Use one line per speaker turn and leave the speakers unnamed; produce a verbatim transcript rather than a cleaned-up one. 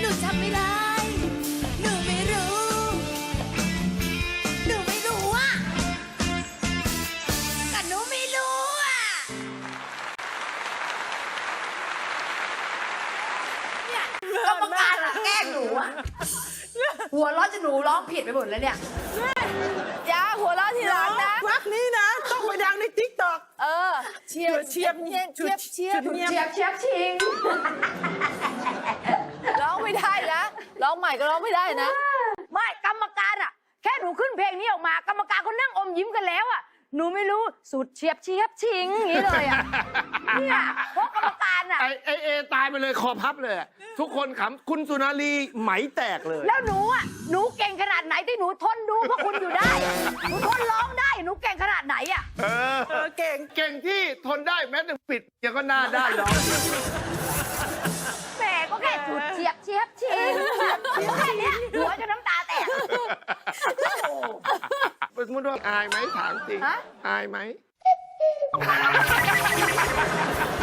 นูจำไม่ได้หนูไม่รู้หนูไม่รู้อ่ะก็หนูไม่รู้อ่ะเนี่ยกรรมการอะแกล้งหนูอะหัวเราะจนหนูร้องผิดไปหมดแล้วเนี่ยอย่าหัวเราะทีหลังนะ
วักนี้นะต้องไปดังในติ๊กต็อก
เออเชียบ
เชียบ
เชียบเชียบเชียบ
ชุดเนียม
เชียบเชียบชิงร้องไม่ได้นะร้องใหม่ก็ร้องไม่ได้นะไม่กรรมการอ่ะแค่หนูขึ้นเพลงนี้ออกมากรรมการเขานั่งอมยิ้มกันแล้วอ่ะหนูไม่รู้สุดเชียบเชียบชิงอย่างนี้เลยอ่ะเนี่ยเพราะกรรมการอ่ะ
ไอไอเอตายไปเลยคอพับเลยอะทุกคนขำคุณสุนารีไหมแตกเลย
แล้วหนูอ่ะหนูเก่งขนาดไหนที่หนูทนดูพวกคุณอยู่ได้อะหนูทนร้องได้หนูเก่งขนาดไหนอ่ะ
เออ
เออเก่ง
เก่งที่ทนได้แม้แต่ปิดยังก็หน้าด้านร้อง
แหมก็แค่สุดเชียบเชียบชิงก็แค่เนี้ยหัวจนน้ำตาแตก
สมมติว่าอายไหมถามจริง
ฮะ
อายไหม